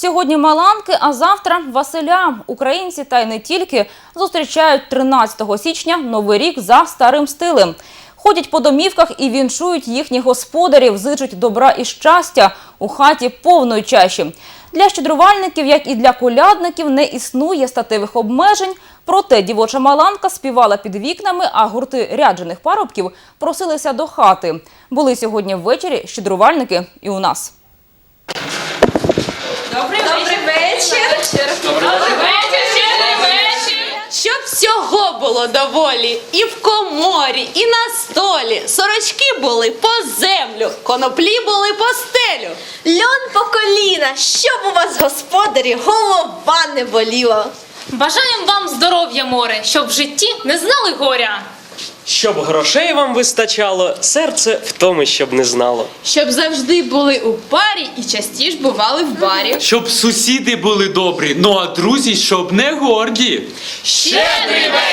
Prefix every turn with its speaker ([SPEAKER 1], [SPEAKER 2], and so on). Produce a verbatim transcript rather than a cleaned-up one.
[SPEAKER 1] Сьогодні Маланки, а завтра Василя. Українці, та й не тільки, зустрічають тринадцятого січня Новий рік за старим стилем. Ходять по домівках і вінчують їхніх господарів, зичуть добра і щастя у хаті повної чаші. Для щедрувальників, як і для колядників, не існує статевих обмежень. Проте дівоча Маланка співала під вікнами, а гурти ряджених парубків просилися до хати. Були сьогодні ввечері щедрувальники і у нас.
[SPEAKER 2] Добрий, Добрий вечір. вечір.
[SPEAKER 3] Добрий вечір, щедрий вечір.
[SPEAKER 2] Щоб всього було доволі і в коморі, і на столі. Сорочки були по землю, коноплі були по стелю.
[SPEAKER 4] Льон по коліна, щоб у вас, господарі, голова не боліла.
[SPEAKER 3] Бажаємо вам здоров'я, море, щоб в житті не знали горя.
[SPEAKER 5] Щоб грошей вам вистачало, серце втоми щоб не знало.
[SPEAKER 2] Щоб завжди були у парі і частіше бували в барі.
[SPEAKER 6] Щоб сусіди були добрі, ну а друзі, щоб не горді.
[SPEAKER 3] Щедрий вечір!